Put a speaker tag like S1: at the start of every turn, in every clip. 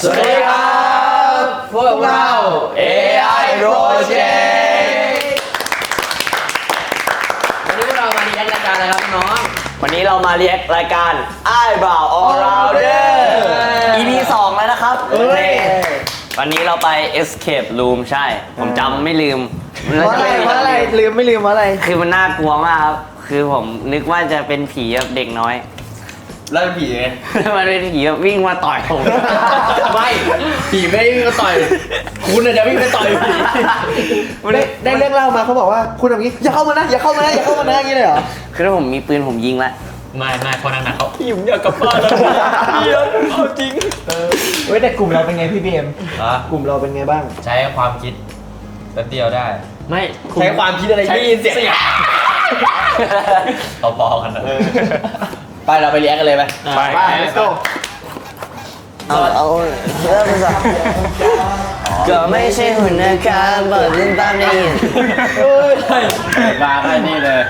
S1: สวัสดีครับพวกเรา AI Project วันนี้พวกเรามารีแอครายการอะไรครับน้องวันนี้เรามารีแอครายการอ้ายบ่าว All Rounder EP 2แล้วนะครับวันนี้เราไป Escape Room ใช่ผมจำไม่ลืม
S2: ว่าอะไรลืมไม่ลืมว่าอะไร
S1: คือมันน่ากลัวมากครับคือผมนึกว่าจะเป็นผีแบบเด็กน้อย
S3: แล้วเป็นผีไง
S1: มันเป็นผีแบบวิ่งมาต่อยผม
S3: ไม่ผีไม่ได้วิ่งมาต่อยคุณจะวิ่งไปต่อยผี
S2: ได้เรื่องเล่ามาเขาบอกว่าคุณแบบนี้อย่าเข้ามานะอย่าเข้ามานะอย่าเข้ามานะอย่างนี้เลยเหรอ
S1: คือถ้าผมมีปืนผมยิงละ
S3: ไม่พอนั่งเขาพี่ผมอยากกลับบ้านแล้วเดี๋ยวเอาจริง
S2: เว้ยแต่กลุ่มเราเป็นไงพี่เบมกลุ่มเราเป็นไงบ้าง
S3: ใช้ความคิดแป๊บเดียวได้
S1: ไม่
S3: ใช้ความคิดอะไรที่เสียงเอาพอกันนะไปเราไปเลี้ยงกันเลยไป
S2: let's go
S1: เอาเริ่มเลยก็ไม่ใช่หุ่นนะครับเปิดลิ้นตามได้ยิน
S3: มาไปนี่เลย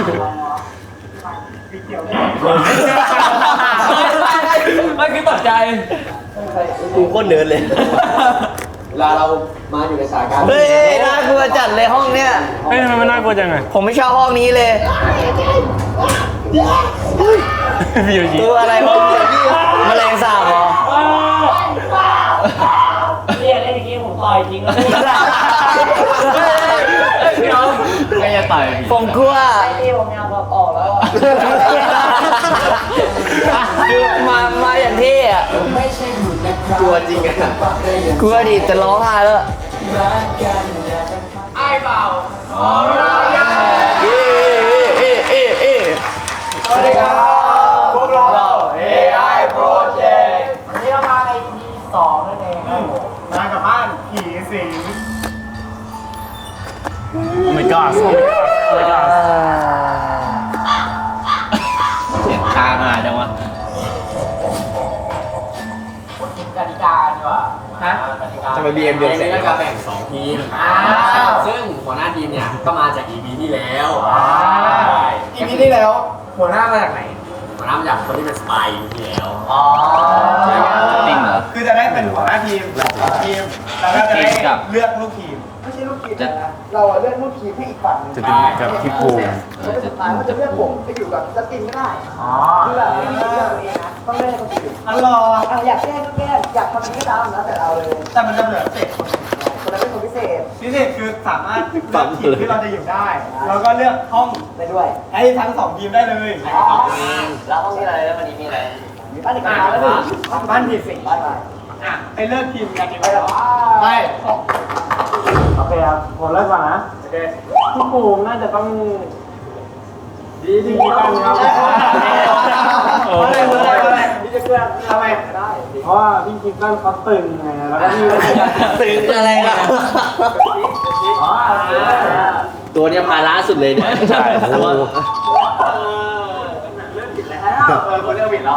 S3: ไม่คือตกใจกูก็เนินเลยเวลาเรามาอยู่ในสถานการณ์
S1: เฮ้ยน่ากลัวจัดเลยห้องเนี้ย
S4: เฮ้ยทำไมมันน่ากลัวจังไง
S1: ผมไม่ชอบห้องนี้เลย
S4: พี่โยชิ
S1: ตัวอะไรวะแมลงสาบเหรอ
S5: เรียกเล่นเมื่อกี้ผมต่อยจริงเลย
S3: ไม่จะต่อย
S1: ผมกลัว
S5: ที่ผมอยากบอกออกแล้ว
S1: มาอย่างที่อ่ะ
S3: กลัวจริงอ่ะ
S1: กลัวดิจะร้องไห้แล้ว
S5: ไอ้เบา
S2: สวัสดีครับพวกเรา
S3: AI Project
S5: วันนี้เรามาใน EP 2นั่นเอง
S2: มากับบ้านผีสิง
S4: ไม่กล้าไม่กล้า
S3: เสียงคามาจังวะ
S5: กติกาดีกว่าฮะ
S3: จะไป BM เดือนเสร็จแล้วก็แบ่ง2ทีมซึ่งหัวหน้าทีมเนี่ยก็มาจาก EP ที่แล้ว
S2: EP ที่แล้วหัวหน้ามาจากไหน
S3: หัวหน้ามาจากคนที่เป็นสปายที่แล้ว
S2: จริงเหรอคือจะได้เป็นหัวหน้าทีมแล้วก็จะได้เลือกลูกทีมไม่ใช่ลูกทีมนะเราเลือกลูกทีมให้อีกฝั่ง
S4: จะเป็นกับพี่ภูมิ
S2: แล้วสุดท้ายมันจะเลือกผมไปอยู่กับจัสตินก็ได้คือแบบไม่มีเลือกเองนะต้องเลือกคนอื่นอยากแก้ก็แก้อยากทำนี้ก็ทำนะแต่เอาเลยแต่มันจะเหลือเศษคนนั้นเป็นคนพิเศษคือสามารถเลือกทีมที่เราจะอยู่ได้แล้วก็เลือกห้องได้ด้วยให้ทั้ง2ทีมได้เลย
S1: แล้วห้องนี้อะไรแล้ววันนี้มีอะไร
S2: มีบ้านเด็กแล้วหนึ่งบ้านผีสิงบ้านอะไรไปเลือกทีมกันดีกว่าไปโอเคครับผมเริ่มก่อนนะโอเคพี่ปูน่าจะต้องดีกันครับอะไรพี่จะเพื่อนทำไมได้เพราะว่าพี่คิดว่าเขาตึงไงแล้วก็พี่
S1: ตึงอะไรล่ะ
S3: ตัวเนี้ยพาล้าสุดเลยเนี่ย
S4: ใช่โอ้
S2: เริ่มผิดแล้วคนเริ่มผิดแล้ว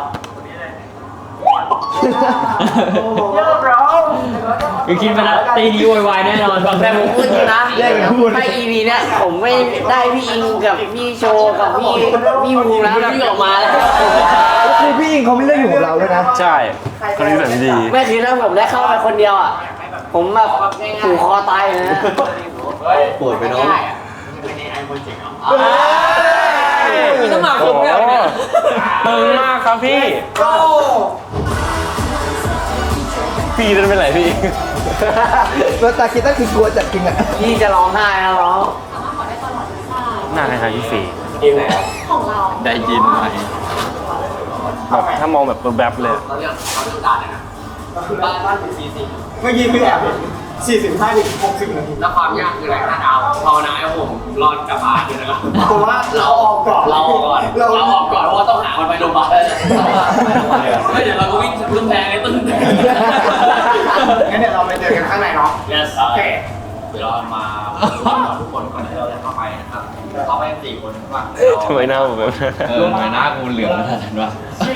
S2: เยอะร้อง
S3: คือคิดไปแล้วตีดีโวยวายแน่นอน
S1: แต่ผมพูดจริงนะไม่ EP เนี้ยผมไม่ได้พี่อิงกับพี่โชกับพี่ภูมิแล้วพี่ออกมาแล้ว
S2: คือพี่อิงเขาไม่เลือกอยู่กับเราด้วยนะ
S4: ใช่คนนี้แบบดี
S1: ไม่คือถ้าผมได้เข้าไปคนเดียวอ่ะผมแบบผูกคอตายเลยนะ
S3: ปวดไปน้อง
S1: มีต้องมาครบแล้วเนี่ย
S4: ตึงมากครับพี่พี่จะเป็นไรพี่
S2: ตัวตาคิดตั้งคือกลัวจัดจริงอ่ะ
S1: พี่จะร้องไห้แล้วร้อง
S4: หน้าคล้ายๆพี่ฟี
S3: ได้ยินไหม
S4: แบบถ้ามองแบบแบบเลย
S3: เราเรื่องด่าเนี่ยนะบ้านถึง40
S2: เมื่อกี้คือแอบ45 ถึง 60 นาที
S3: แล้วความยากคืออะไร5 ดาวภาวนาให้ผมรอดกลับบ้านด้วยนะครับ
S2: ผมว่าเราออกก่อน
S3: เราออกก่อนเพราะว่าต้องหามันไปโรงพยาบาลไม่เดี๋ยวเราก็วิ่งขึ้นแพงเลยตึ้ง
S2: งั้นเดี๋ยวเราไปเจอกันข้างในเนาะ
S3: yes โอเคเดี๋ยวเรามาทุกคนก่อนที่เราจะเข้าไปนะครับเข้าไป4 คนว่า
S4: ทำไมหน้าผมแบบ
S3: ทำไมหน้ากูเหลืองขนาดนั้นวะ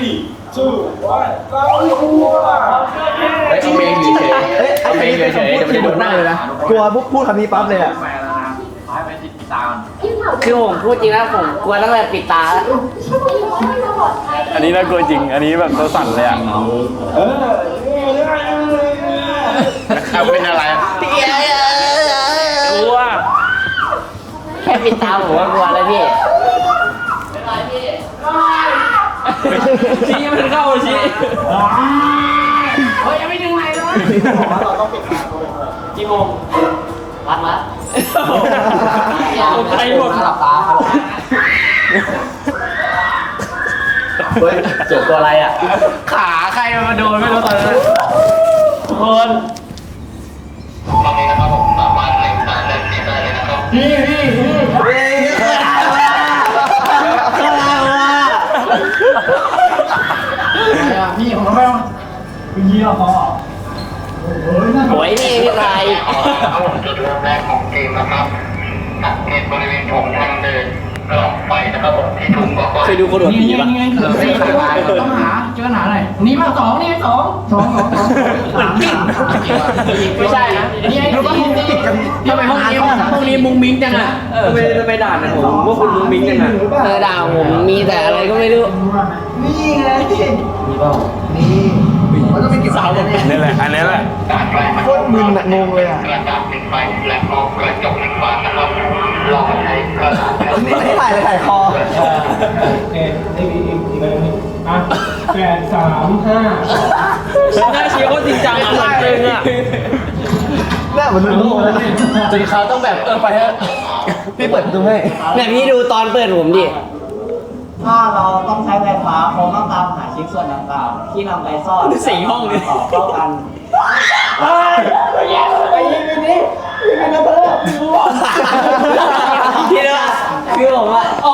S3: เราเอาเมงเฉยเอาเมงเฉยจะไม่ได้โดนหน้าเลยนะ
S2: กลัวพูดคำนี้ปั๊บเลยอ่ะ
S3: ไปติดตา
S1: คือผมพูดจริงนะผมกลัวตั้งแต่ปิดตาแล้ว
S4: อันนี้น่ากลัวจริงอันนี้แบบตัวสั่นเลยอ่ะ
S1: ปิดตาผมว่ากลัวแล้วพี่
S3: ชี้มันเข้าชี้
S5: เฮ้ยยังไม่ถึงไหนเลย
S2: เราต้องปิดตาตัวเอง
S5: กี่โมงรัดละ
S3: ใครหมด
S5: หลับตาครับ
S1: เฮ้ยเจอตัวอะไรอ่ะ
S3: ขาใครมาโดนไม่รู้ตอนนั้นคน
S5: พี่ผมไม่ต้องพี่เราพอ
S1: โอ้ยนี่พี่ชาย
S6: จุดเริ่มแรกของเกมนะครับสังเกตบริเวณโถงทางเดินหลอดไฟนะครับผมที่ถุงบอกว่า
S1: เคยดูคนหัวผีปะ
S5: ต้องหาเจอหาหน่อยนี่มาสองนี่สองไม่ใช่นะนี่ไอ้รู้ป่ะห้องนี้ทำไมห้องนี้มุ้งมิ้งจังอ่ะ
S3: จะไปด่าเนี่ยผมว่าคุณมุ้งมิ้งยังไง
S1: ด่าผมมีแต่อะไรก็ไม่รู้
S2: นี่ไงนี่เปล่านี่มันต้องเป็นกี่สาวเนี่ย
S4: นี่แหละ อันนี้แหละ
S6: การไฟ
S2: โคตรมึนอะงงเลยอะ
S6: กระดาษหนึ่งใบและมองกระจกหนึ่งบานนะครับลองใช้กระดาษ
S2: นี่ไม่ถ่ายเลยถ่ายคอ
S3: หน้าชี้เขาจริงจังอ่ะเหมือนจริงอ่ะ
S2: หน้าเหมือนลูกเลย
S3: จนเขาต้องแบบไปเถอะ
S2: พี่เปิดประตูให้
S1: เนี่ยพี่ดูตอนเปิดผมดิ
S5: ถ้าเราต้องใช้ไฟฟ้าคงต้องตามหาชิ้นส่วนต่างๆที่นำไปซ่อน
S3: สี่ห้องเลย
S5: ต่อเข้ากัน
S1: พี่ดูคือผมว่าอ๋อ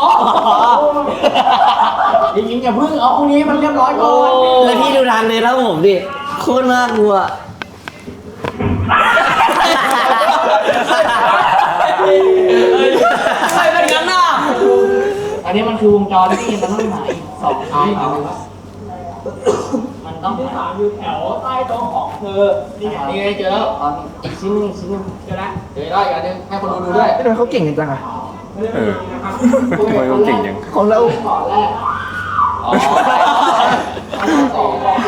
S5: จริงๆอย่าเพิ่งเอาห้องนี้มันเรียบร้อยก่อน
S1: แล้วพี่ดูทางเดินแล้วผมดิ โคตรน่ากลัว
S3: ใครเป็นงั้นน่ะ
S5: อันนี้มันคือวงจรที่มันต้องหาอีกสองชิ้นมันต้องหาอยู่แถวใต้โต๊ะของเธอนี่ไงเจอแล้วอีกชิ้นนึงเจอแล้วเจอแล้วอีกอันนึงให้คนดูด้วย
S2: ไม่โดนเขาเก่งจังอะ
S4: เออทำไมเขาเก่งจัง
S2: ของเรา
S5: ก่อนแรก
S3: อ๋อ
S5: สอง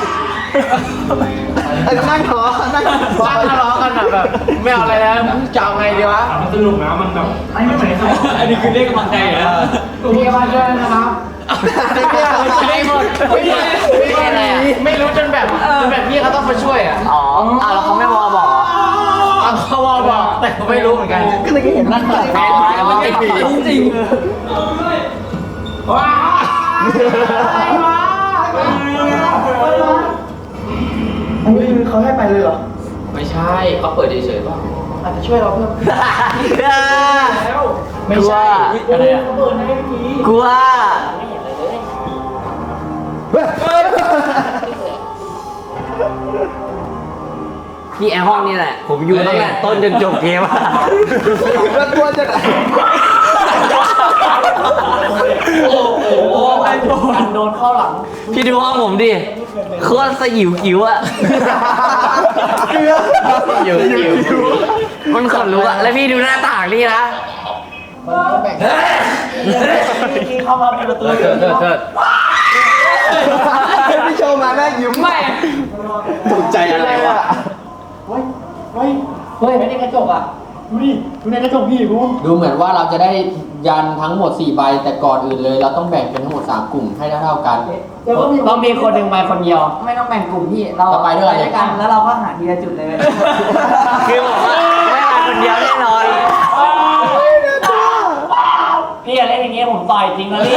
S2: ไอ้นั่งทะเลาะนั่ง
S3: บ้านทะเลาะกันอ่ะแบบไม่เอาอะไรแล้วจะเอาไงดีวะสนุกนะมันแบบอันนี้คือเรียกกำลังใจเหรอ
S5: มีมาเจอนะครับ
S3: ไม่หมดไม่รู้จนแบบพี่เขาต้องมาช่วยอ่ะ
S1: อ๋อแล้วเขาไม่วอบอกเหรอ
S3: เขาบอกแต่เขาไม่รู้เหมือนกัน
S2: ก็เลยเห็นนั่งถ่าย
S3: มันติดจริง
S5: ว้าอะไรวะ
S2: อันนี้คือเขาให้ไปเลยเหรอ
S3: ไม่ใช่เขาเปิดเฉยๆป่ะ
S2: อาจจะช่วยเราเพิ่ม
S1: ไม่ใช่
S3: อะไรอ่ะ
S5: เปิดให้พี่
S1: กลัวนี่ไอห้องนี่แหละ ผมอยู่ตั้งแต่ต้นจนจบเกมอะ
S2: แล้วกลัวจะไหน
S5: กันโดนเข้าหลัง
S1: พี่ดูห้องผมดิ โคตรสยิวกิ๋วอะ
S2: เกลือ
S1: มันขนลุกอะแล้วพี่ดูหน้าต่างนี่นะ
S5: ที่เข้ามาเป็นประตู
S3: เถิด
S2: พี่โชว์มาแม่ยิ้ม
S3: ไม่
S2: ตกใจอะไรวะ
S5: เฮ้ยไม่ได้กระจกอ่ะดูในกระจกพี่กู
S7: ดูเหมือนว่าเราจะได้ยันทั้งหมด4ใบแต่ก่อนอื่นเลย เราต้องแบ่งเป็นทั้งหมด3กลุ่มให้เท่าๆกัน
S5: ต้องมีคนหนึ่งไปคนเดียว ไม่ต้องแบ่งกลุ่มพี่เรา
S7: ไปด้วย
S5: กันแล้วเราก็หาทีละจุดเลย
S1: คือผมว่าไม่มาคนเดียวแน่นอน
S5: พี่อย่าเล่นอย่างงี้ผมต่อยจริงนะพี่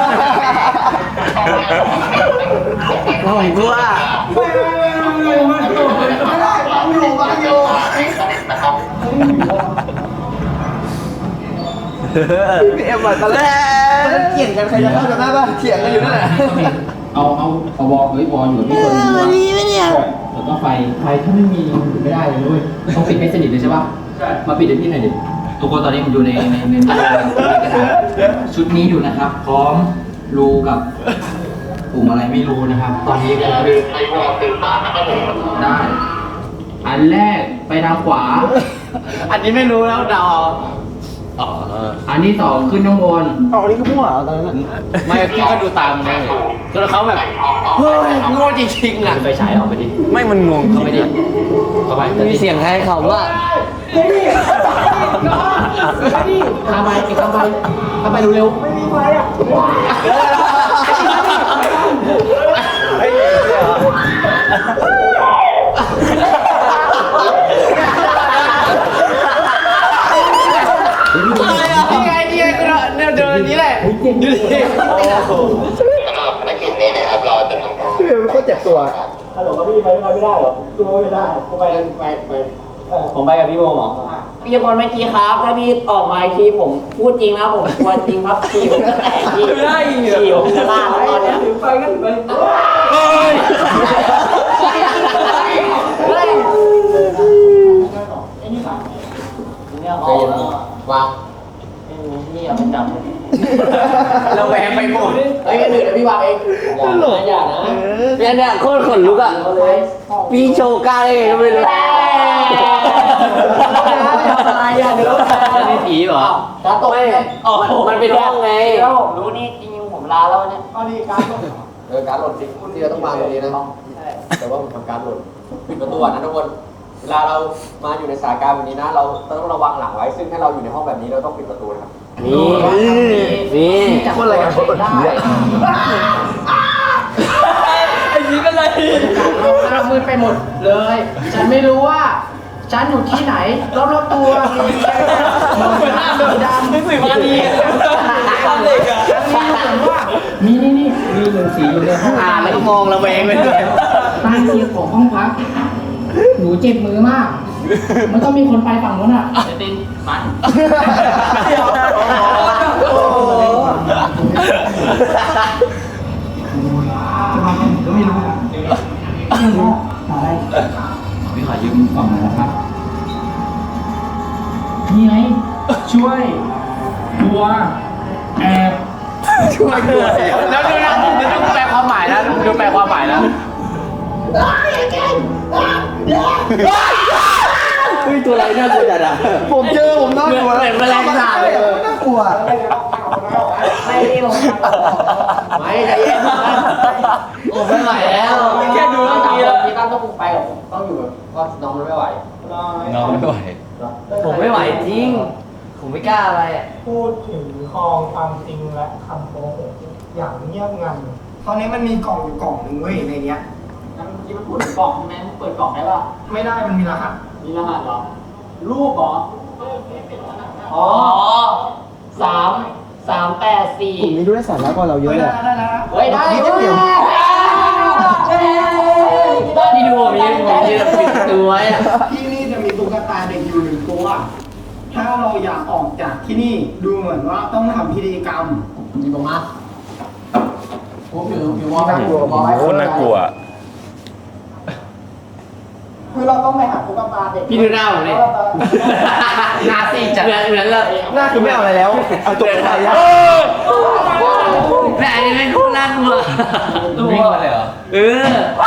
S1: ผมกลัว
S2: พี่เอ็มมาตอนแรกเถียงกันใครจะเข้ากันได้ป่ะเถียงกันอยู่นั่นแหละ
S7: เอาวอลวอลอยู่กับพี่คนนึงว่าแล้วก็ไฟถ้าไม่มีอยู่ไม่ได้เลยด้วยต้องปิดให้สนิทเลยใช่ป่ะมาปิดให้พี่หน่อยดิทุกคนตอนนี้ผมอยู่ในกระดาษชุดนี้อยู่นะครับ พร้อมรูกับปุ่มอะไรไม่รู้นะครับ ตอนนี้ก็คือ
S6: ใช้วอลสื่อสารนะครับผม
S7: ได้ อันแรกไปทางขวา
S3: อันนี้ไม่รู้แล้วเดา
S7: อันที่2ขึ้นข้างบน
S2: อ๋อนี่ก็มั่วตอนนั้น
S3: ไม่พี่ก็ดูตามเลยแล้วเขาแบบเฮ้ยโง่จริงๆอ่ะ
S7: ไปฉายเอาไปดิ
S4: ไม่มันงง
S7: เข้าไปดิเข้าไป
S1: มีเสียงใครเขาว่า
S2: เ
S5: ไปดิทำไปอีกทำไปเร็ว
S2: ไม่มีไฟอ่ะ
S3: นี่ไงเนี่ยเดินนี้แหละดูดิ
S6: สำหรับภารกิจนี้นะครับเราจะทำการ
S2: พี่เป็นคนเจ็บตัวฮัลโหลครับพี่ไปไม่ได้เหรอตัวไม่ได้กูไปไป
S7: ผมไปกับพี่โมหมอ
S5: พี่บอลเมื่อกี้ครับถ้าพี่ออกมาอีกทีผมพูดจริงนะผมกลัวจริงครับขี่ผมจะแตกพี่ขี่ผมจะล่าแล้วตอนเนี้ย
S2: ถือไฟกันไป
S5: เนี่ยเอา
S3: วาง
S5: นี่เอาไปจับ
S3: เราแหวงไปหมด
S5: เฮ้ยเดี๋ยวพี่วางเองอย่านะ
S1: เนี่ยโคตรขนลุกอ่ะพี่โชว์กล้าได้ไงก็ไม่รู้
S5: อะไรอ่ะเดี๋ยว
S7: นี่ผีเหรอ
S5: ตาตก
S1: ไม่มันเป็นห้องไง
S5: แล้วผมรู้นี่จริงๆผมลาแล้วเนี่ย
S2: เอาดีการ
S3: การหล่นจริงที่เราต้องวางตรงนี้นะแต่ว่ามันทำการหล่นปิดประตูก่อนนะทุกคนเวลาเรามาอยู่ในสถานการณ์แบบนี้นะเราต้องระวังหลังไว้ซึ่งถ้าเราอยู่ในห้องแบบนี้เราต้องปิดประตูนะครับ
S1: นี่
S2: คนอะไรกันคน
S5: ได้
S3: ไอ้นี้เป็นไร
S5: หน้ามืดไปหมดเลย ฉันไม่รู้ว่า ฉันอยู่ที่ไหนรอบๆตัวมีหน้าดำ
S3: นึกถึงมาดีทำเด็กอะ
S7: มีนี่มีหนึ่งสีอยู่ในห้อง
S1: แล้วก็มองระแวงไปเลย
S7: ใต้เตียงของห้องพัก หนูเจ็บมือมาก มันต้องมีคนไปฝั่งนู้นอ่ะตินมัน พี่ขอยืมกล่องหน่อยนะครับ นี่ไง ช่วยตัวแอบ
S3: ช่วยด้วยแล้วดูนะดูแปลความหมายนะดูแปลความหมายนะ
S1: เฮ้ยตัวอะไรน่ากลัวจัดอ่ะ
S2: ผมเจอผมนอนอยู่
S1: เหมือนแมลงสาบเลย
S2: น่ากลัว
S5: ไม่ได้ลง
S3: ไม่ใจเย็นนะ
S5: ผมไม่ไหวแล้ว
S3: แค่ดูเมื่อกี้แล้ว
S5: พี่ตั้มต้องไปกับผม
S3: ต้องอยู่แบบว่าน้องมันไม่ไหว
S7: น้องไม่ไหว
S1: ผมไม่ไหวจริง ผมไม่กล้าอะไรอ่ะ
S2: พูดถึงคลองความจริงและคำโกหกอย่างเงียบงันตอนนี้มันมีกล่องอยู่กล่องหนึ่งเว้ยในเนี้ย
S5: งั้นเมื่อกี้มันพูดถึงกล่องใช่ไหมเปิดกล่องได้ป่ะ
S2: ไม่ได้มันมีรหัส
S5: มีรหัสเหรอ รูปเหรอ อ๋อ384
S2: กลุ่มนี้ดูได้สาระกว่าเราเยอะเลยได้แล้ว
S5: เฮ้ยได้
S2: นิดเดียว
S5: ที่ดูมีปิดตัวอ่ะ
S2: ที่นี่จะมีตุ๊กตาเด็กอยู่หนึ่งตัว ถ้าเราอยากออกจากที่นี่ดูเหมือนว่าต้องทำพิธีกรรม
S5: มีบอกมาผมอยู่วอล
S2: น่ากลัว
S4: คนน่ากลัว
S2: คือเราต้องไปหาตุ๊กตาเด็ก
S1: พี่ดูหน้าผมดิ
S5: หน้าซีดจัด
S1: เหมือนเลย
S2: หน้าคือไม่เอาอะไรแล้ว เอาตุ๊กตายะ
S1: แต่อันนี้ไม่โคตรน่ากลัว
S7: วิ่งมาเลยเหรอ
S1: เออ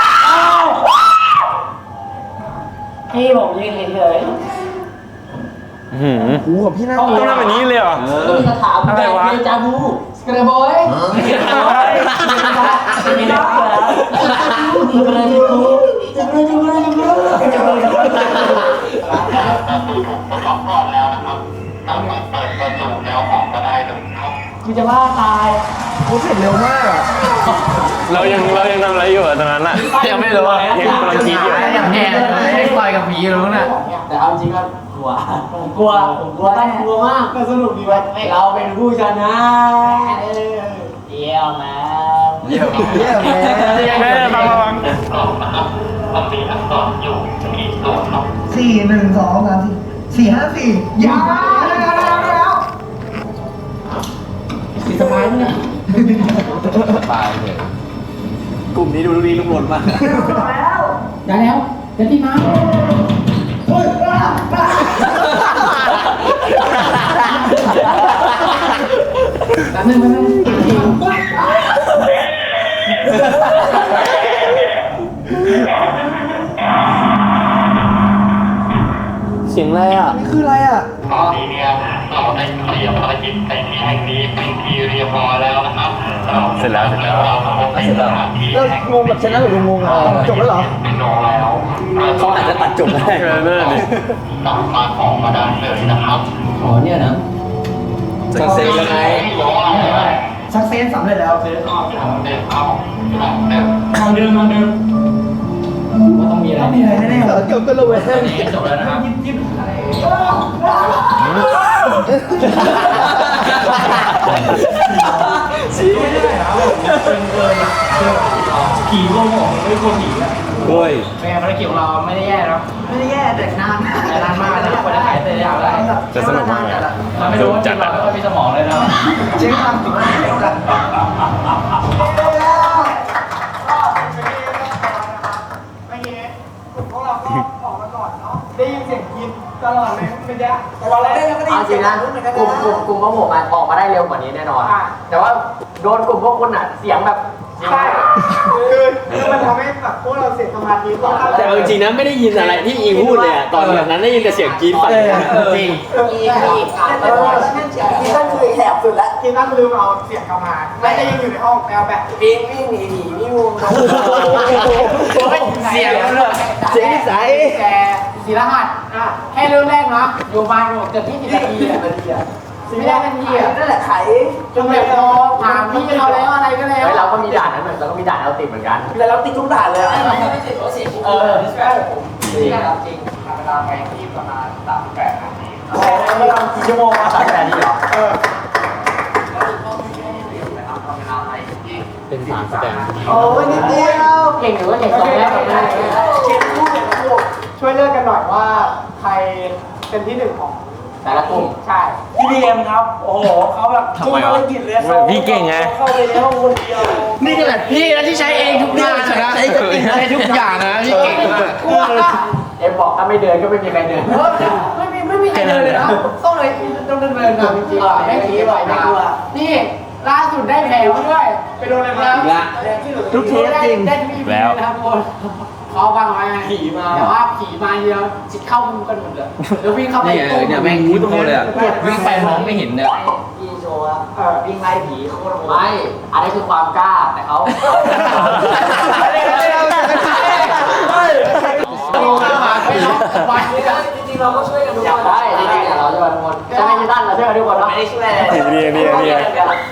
S5: พี่ผมยืนเฉย
S4: หืม
S2: หูของพี่น่า
S4: ต้องทำแบบนี้เลยเหรอ
S5: ๆต้องมีคาถา
S4: อะไรวะ
S5: เดจาวูสกระบอยมีนักแล้วจะกระดิกูจะกระดิกูจะกระดิกู
S6: ประกอบก่อนแล้วนะครับสามารถเปิดประตูแล้วออกมาได้เลยครับ
S5: กูจะว่าตาย
S2: เขาเสร็จเร็วมากอะ
S4: เรายังทำอะไรอยู่อะตอนนั้นอะยังไม่รู้อะยังกำลังคิดอยู่
S7: แอบไม่ต่อยกับผีรู้น่ะ
S5: แต่เอาจริงก็กลัวผมกลัวแน่กลัวมาก
S2: ก็สนุกดีว่ะ
S5: เราเป็นผู้ชนะเยี่ยมแมน
S3: เยี่ยม
S2: เยี่ยมแม่
S4: แม่ฟัง
S6: กล่องนะครับมันมีอักษรอยู่ที่ตัวครับ
S2: 4 1 2 3 4 4 5 4ยาวแล้ว
S5: สีสบายเนี่ย
S3: ตายเลย
S1: กลุ่มนี้ดูดีลุ่มหล่นมาก
S7: ได้แล้วเดี๋ยวที่มาแป๊บนึง
S1: เสียงอะไรอ่ะ
S2: นี่คืออะไรอ่ะ
S6: ตอนนี้เนี่ยเราได้เคลียร์ภารกิจในที่แห่งนี้เป็นที่เรียบร้อยแล้วนะครับ
S4: เสร็จแล้ว
S6: เราพบในสถานที่
S2: เรางงแบบชนะหรืองงอ่ะจบแล้วเหรอ
S6: เป็นโนแล้ว
S2: อื
S1: เขาอาจจะตัดจบได้
S4: นั่นดิ
S6: สามารถออกมาได้เลยนะครับ
S7: อ๋อเนี่ยนะ
S1: สักเซนยังไง
S2: ซักเซนสำเร็จแล้ว
S6: เดินเข้าหลังเดินเข้าหลังเดิน
S5: ทางเดิม
S7: ว่าต้องมีอะไร
S2: มีอะไรแน่ๆเกือบก็ระเวง
S7: ตอนนี้จบแล้วนะครับ
S5: ผีโกงของไม่โกงผีอะ
S1: โอ้ย
S5: เป็นไงภารกิจของเราไม่ได้แย่นะ
S2: ไม่ได้แย่แต่นาน
S5: แต่นานมากนะกว่าจะถ่ายเสร็จได้อะไร
S4: จะสนุกมากเลย
S5: เราไม่รู้ว่าจริงเราไม่ค่อยมีสมองเลยนะ
S2: เช็คความจริงเดียวกันได้ยินเสียงกินตลอดเลยไม่ได้ตอนแรกเราก็ได้
S3: เอา
S2: ยิน
S3: จ
S2: เสี
S3: ริ
S2: ย
S3: ง
S2: ง
S3: นะ
S2: รุ่นเหมือนกัน
S3: กลุ่มพวกผมออกมาได้เร็วกว่านี้แน่นอน แต่ว่าโดนกลุ่มพวกคุณอ่ะเสียงแบบ
S2: ใช่คือมันทำให้แบบพวกเราเสียสมาธิก็
S1: แต่เอาจริงนะไม่ได้ยินอะไรที่อีพูดเลยอะตอนแบบนั้นได้ยินแต่เสียงกรี๊ดฝันจริง
S2: ที่นั่นคือแหบสุดแล้วที่นั่นลืมเอาเสียงกลับมาไม่ได้ยังอยู่ในห้องแมวแบบวิ่งหนีผีวิ่งงู
S5: เสียงเลย
S1: เสียงนิสัย
S5: แกศิลหัสแค่เริ่มแรกนะอยู่มาเกือบ20 นาทีอะไม่ได้นาทีอะ
S2: นั่นแหละไข
S5: จนแบบพอถามพี่เราแล้วอะไรก็แล้ว
S3: เฮ้ยเราก็มีด่านนั้นเหมือนเราก็มีด่านเราติดเหมือนกัน
S2: แต่เราติดทุกด่านเลย
S5: เออ
S3: จริง
S5: จริง
S6: เวลาไปที่ประมาณ38 นาที
S2: ใช่เราทำกี่ชั่วโมงมา
S3: ตัดแต่นี้เหรอ
S7: เป็นสารแสดง
S2: โอ้ยนิดเดียว
S5: เก่งหรือว่าเก่งสองแรกกับแรก
S2: เช็คคู่เช็คคู่ช่วยเลือกกันหน่อยว่าใครเป็นที่หนึ่งของ
S3: แต่ละกลุ่ม
S2: ใช่พี่พีเอ็มครับ โอ้โหเขาแบบทุ่มภารกิจเลย
S4: พี่เก่งไง
S2: เข้าไปในห้องคนเดียว
S5: นี่ขนาดพี่นะที่ใช้เองทุกอย่างนะใช้ทุกอย่างนะพี่เก่งมาก
S3: เอ็มบอกถ้าไม่เดินก็ไม่มีใครเดิน
S5: ไม่มีใครเดินเลยนะต้องเลยต้องเดินนำจริงๆไม่ผีบ่อยนะนี่ล่าสุดได้แผลมาด้วยไปโดนอะไรมาทุกเทปจริงได้ทุก
S4: แล้ว
S5: นะครับทุกคนเขาวางไว้ผีมาแต่ว่าผีมาเดียวจิตเข้ามุมกันหมดเลยแล้ววิ่งเข้าไป
S7: เนี่ยแม่งยิ้มโคตรเลยอ่ะวิ่งไปมองไม่เห็นเนี่ย
S3: พี่โชว์อะวิ่งไล่ผีโคตรโหดไม่อันนี้คือความกล้าแต่เขา
S5: จริงๆเราก็ช่วยกันทุก
S3: อยาก
S5: คน
S3: ได้จริงๆเราช่วยกันทุกคนใช่ไหมพี่ตั้นเราช่วยกันทุกคนไม่ได้ช่วยอะไร
S4: เรีย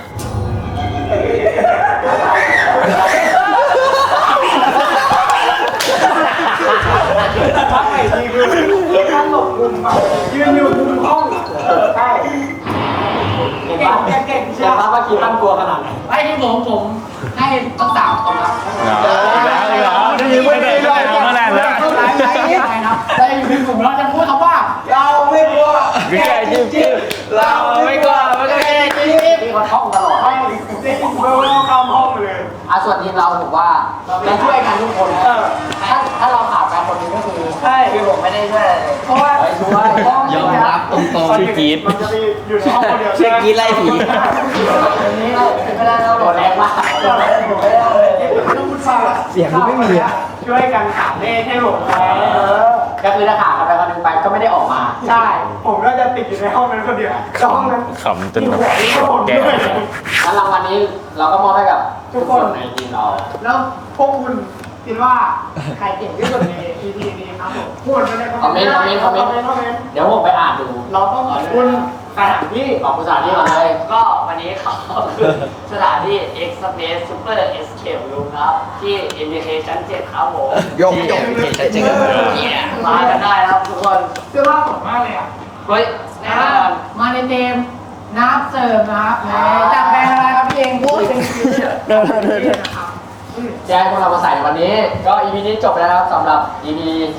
S2: ท่านหลบมุมแบบยืนอยู่มุมห้องใช่เก่งเก่ง
S3: เชื่อป่ะว่าคิดตั้นกลัวขนาดไหน
S5: ไอ้ที่ผมให้ตั้ง3 คนครับ
S4: ได้ยินไม่ได้ด้วยเมื่อไหร่แล้ว
S5: แต่อยู่ในกลุ่มเราจะพูดคำว่า
S2: เราไม่กลัว
S4: พี่แกจิ๊บเราไม่กลัวไม่กลัว
S3: พี่เขาท่องตลอด
S2: ได้ยินเบลล์เข้าห้องเลย
S3: ส่วนทีมเราผมว่าเราช่วยกันทุกคนถ้าเราขาดไปคนนึงก็คือ
S2: ใช่
S3: คือผมไม่ได้ช่วยอะไรเลย
S2: เพราะว่า
S3: ช่วย
S7: ยอมรับตรง
S4: ชื่อกรี๊ด
S2: มันจะมีอยู่ในห้องคนเดียว
S1: ชื่อกรี๊ดไล่ผี
S3: วันนี้เราเวลาเราตัวแรงมาก
S2: ต้องพูดฟัง
S1: เสียงมันไม่มีอะ
S2: ช่วยกันหาเลขให้หลงไว้
S3: ก็คือถ้าขาดกันไปคนนึงไปก็ไม่ได้ออกมา
S2: ใช่ ผมก็จะติดอยู่ในห้องนั้นคนเดียวห้องนั้น
S4: ขำจนแบบแก
S3: แล้วรางวัลนี้เราก็มอบให้กับทุกคนในทีมเรา
S2: แล้วพวกคุณคิดว่าใครเก่งที่สุดใน EP นี้ครับผมพูดมาในคอมเมนต์
S3: เดี๋ยวผมไปอ่านดู
S2: เราต้องขอบคุณสถานที่
S3: ขอบคุณสถานที่ก่อนเลย
S1: ก็วันนี้ขอบคุณสถานที่ Express Super Escape Room ครับ ที่ MBK ชั้น 7 ครับผม
S2: ยก
S1: มากันได้ครับทุกคน
S2: เสื้อผ้าสวยมากเลยอ่ะ
S1: เฮ้ยแน่นอน
S5: มาในเกมน้ำเสิร์ฟนะครับจากแบรนด์อะไรครับพี่เองพูดเป็นคิวนะครับ
S3: แจ้งพวกเรามาใส่ในวันนี้ ก็ EP นี้จบแล้วนะครับสำหรับ EP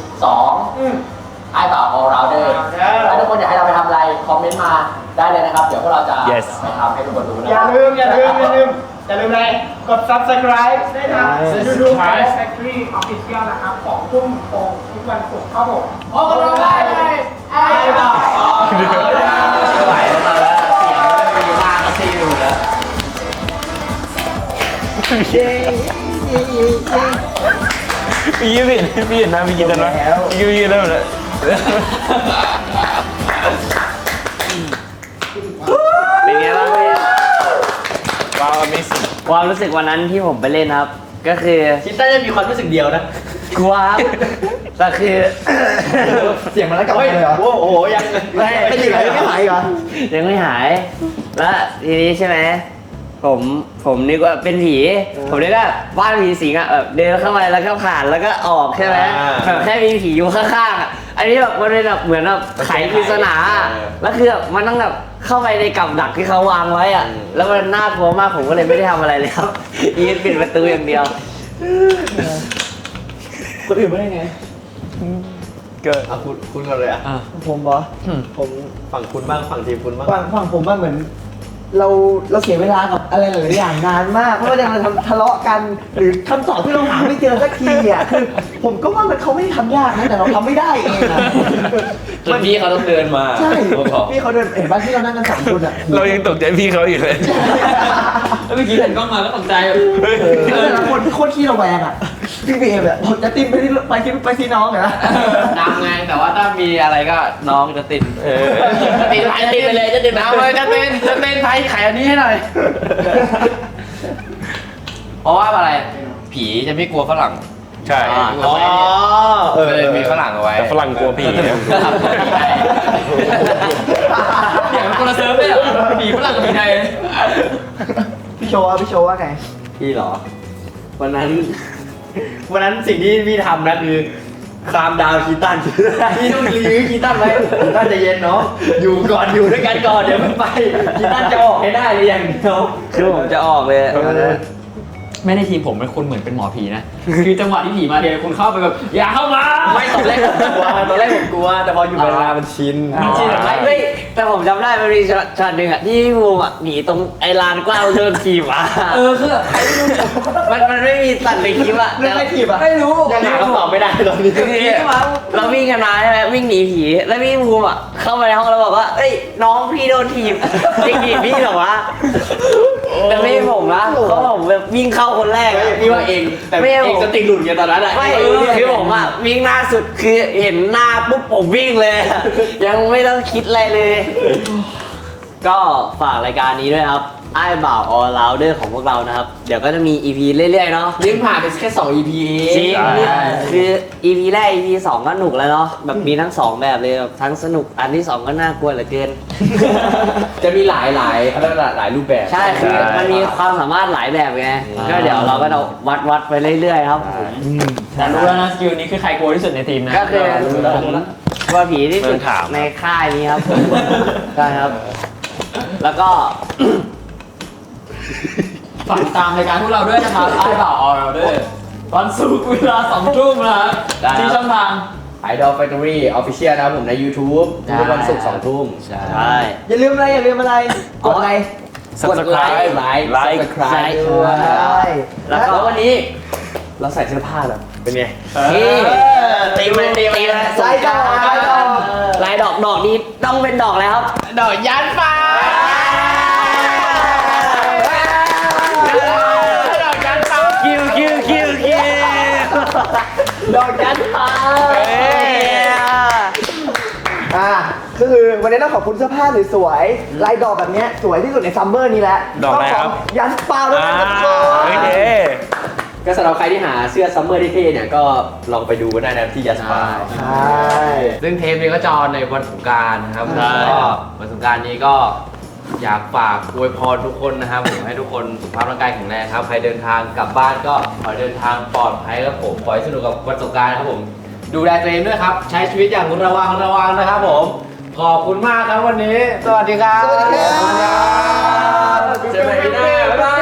S3: 2ไอ้บ่าว All Rounder ถ้าทุกคนอยากให้เราไปทำอะไร คอมเมนต์มาได้เลยนะครับ เดี๋ยวพวกเราจะไปทำให้ทุกคนดูนะ
S2: อย่าลืมเลยกด subscribe ได้ทาง YouTube Factory Official นะครับ2 ทุ่มตรงทุกวันศุกร์ครับผม
S5: โอ้โหได้เลยไอ้บ่าว
S1: ไหวแล้วมาแล้วเสียงไม่มีมากก็ซีอยู่แล้ว
S4: พี่ยิ้มพี่เห็นนะพี่กินกันนะพี่กินได้หมดเลยเป็นไงบ้างพี่ว้าว amazing
S1: ความรู้สึกวันนั้นที่ผมไปเล่นครับ ก็คือ
S3: คิดได้จะมีความรู้สึกเดียวนะ
S1: กลัวครับแต่คือ
S2: เสียงมันแล้วกลับมาเลยเหรอ
S3: โอ้โหยัง
S2: ไม่ดีเลยไม่หายเหรอ
S1: ยังไม่หาย แล้วทีนี้ใช่ไหมผมนึกว่าเป็นผี ผมนึกว่าบ้านผีสิงอ่ะแบบเดินเข้าไปแล้วก็ผ่านแล้วก็ออกใช่ไหมแบบแค่มีผีอยู่ข้างๆอ่ะอันนี้แบบมันเป็นแบบเหมือนแบบไขปริศนาอะแล้วคือแบบมันต้องแบบเข้าไปในกับดักที่เขาวางไว้อ่ะแล้วมันน่ากลัวมากผมก็เลยไม่ได้ทำอะไรเลยครับยืนปิดประตูอย่างเดียว
S2: คนอื่นไม่ได้ไง
S4: เกิด
S3: อ่ะคุณกันเลยอ่ะ
S2: ผมเหรอผม
S3: ฝั่งคุณบ้างฝั่งทีมคุณบ้าง
S2: ฝั่งผมว่าเหมือนเราเสียเวลากับอะไรหลายๆอย่างนานมากเพราะว่าเราทะเลาะกันหรือคำตอบที่เราหาไม่เจอสักทีอ่ะคือผมก็ว่ามันเขาไม่ได้ทำยากนะแต่เราทำไม่ได้เองอ่ะ
S3: จนพี่เขาต้องเดินมา
S2: ใช่พี่เขาเดินเห็นบ้านที่เรานั่งกัน3 คนอ่ะ
S4: เรายังตกใจพี่เขาอยู่เลย
S7: เมื่อกี้เห็นกล้องมาก็ตกใจ
S2: แต่ละคนโคตรขี้ระแวงอ่ะพี่เบมอ่ะผมจะติ้มไปที่น้องเหรอ
S3: นำไงแต่ว่าถ้ามีอะไรก็น้องจะติดติดไปเลยจะติดน้ำเลยจะเต้นไพ่ไขอันนี้ให้หน่อย เพราะว่าอะไรผีจะไม่กลัวฝรั่ง
S4: ใช่
S3: อ๋อเลยมีฝรั่งเอาไว้
S4: แต่ฝรั่งกลัวผีนะ
S7: อย่างคนละเซิร์ฟเลยอ่ะผีฝรั่งกับผีไทย
S2: พี่โชว์ว่าไง
S3: พี่เหรอ วันนั้นสิ่งที่พี่ทำนะคือคลามดาวคีตันพี่ต้องยื้อคีตันไว้คีตันจะเย็นเนาะอยู่ด้วยกันก่อนเดี๋ยวมันไปคีตันจะออกให้ได้เลยอย่างเดียว
S1: คือผมจะออกเลย
S7: ไม่ในทีมผมเป็นคนเหมือนเป็นหมอผีนะ คือจังหวะที่ผีมาเดียวคุณเข้าไปแบบอย่าเข้ามา
S3: ไม่ตอนแรกผมกลัวแต่พออยู่เวลามันชิน
S7: มันชินเหรอ
S1: ไม่แต่ผมจำได้มันมีช็อตหนึ่งอ่ะที่พี่บูมอ่ะหนีตรงไอ้ลานกว้างเดินขี่มา
S7: คือแบบใครไม่รู้
S1: มันไม่มีตัดในคลิปอ่ะ
S2: เรื่องไม่ถีบอ่ะ
S7: ไม่รู้
S3: ยังหาคำตอบไม่ได้ตอนนี้
S1: เราวิ่งกันมาใช่ไหมวิ่งหนีผีแล้วพี่บูมอ่ะเข้ามาในห้องแล้วบอกว่าเอ้ยน้องพี่โดนถีบจริงถีบพี่เหรอวะแต่ไม่ใช่ผมนะเพราะผมแบบวิ่งเข้าคนแรกอะ
S3: พี่ว่าเองแต่เองสติหลุดไงตอนนั้นอะ
S1: ไม่คือผมอ่ะวิ่งหน้าสุดคือเห็นหน้าปุ๊บผมวิ่งเลยอะยังไม่ต้องคิดอะไรเลย ก็ฝากรายการนี้ด้วยครับไอ้บ่าวออลราวเดอร์ของพวกเรานะครับ เดี๋ยวก็จะมี EP เรื่อยๆเนาะ
S3: ยิ่งผ่านไปแค่2 EP เอง
S1: จริงนี่คือ EP แรก EP 2 ก็หนุกแล้วเนาะแบบมีทั้ง 2 แบบเลยแบบทั้งสนุกอันที่ 2 ก็น่ากลัวเหลือเกิน
S3: จะมีหลายรูปแบบ
S1: ใช่คือมันมีความสามารถหลายแบบไงก็เดี๋ยวเราก็จะวัดไปเรื่อยๆครับผม
S7: แต่รู้แล้วนะสกิลนี้คือใครกลัวที่สุดในทีมนะ
S1: ก็คือผมว่าผีที่สุดในค่ายนี้ครับใช่ครับ แล้วก็
S7: ฝากตามรายการพวกเราด้วยนะครับไอ้บ่าวออเราด้วยวันศุกร์เวลา2 ทุ่มนะครับที่ช่องทาง
S3: Idol Factory Official นะครับผมใน YouTube ทุกวันศุกร์2 ทุ่ม
S1: ใช่
S2: อย่าลืมอะไรกดอะไร
S4: Subscribe
S3: ไลค์
S1: Subscribe
S2: ใช่
S1: แล้วก็
S3: วันนี้เราใส่เสื้อผ้าแบบเป็นไง
S1: นี่
S3: ตีมัน
S2: ลายดอก
S1: ลายดอกนี้ต้องเป็นดอกแล้วครับ
S3: ดอกยันฟ้าดอกยันฟ้า
S1: คิว
S2: ดอกยันฟ้าก็คือวันนี้ต้องขอบคุณเสื้อผ้าสวยๆลายดอกแบบเนี้ยสวยที่สุดในซัมเมอร์นี้แหละ
S4: ดอกอะไรครับ
S2: ต้งขยันฟ้าด้วยนะทุกคน
S4: โอเค
S3: ก็สำหรับใครที่หาเสื้อซัมเมอร์เท่ๆเนี่ยก็ลองไปดูกันได้นะที่ยัสปา
S2: ใช่
S3: ซึ่งเทปนี้ก็จะออนในวันสงกรานต์นะครับ
S1: ใช่
S3: ก็วันสงกรานต์นี้ก็อยากฝากอวยพรทุกคนนะครับผมให้ทุกคนสุขภาพร่างกายแข็งแรงครับใครเดินทางกลับบ้านก็ขอให้เดินทางปลอดภัยครับผมขอให้สนุกกับวันสงกรานต์นะครับผมดูแลตัวเองด้วยครับใช้ชีวิตอย่างระวังนะครับผมขอบคุณมากครับวันนี้ สวัสดีครับ
S2: สวัสดีครับ
S3: เจอกันใหม่ปีหน้าบ๊ายบาย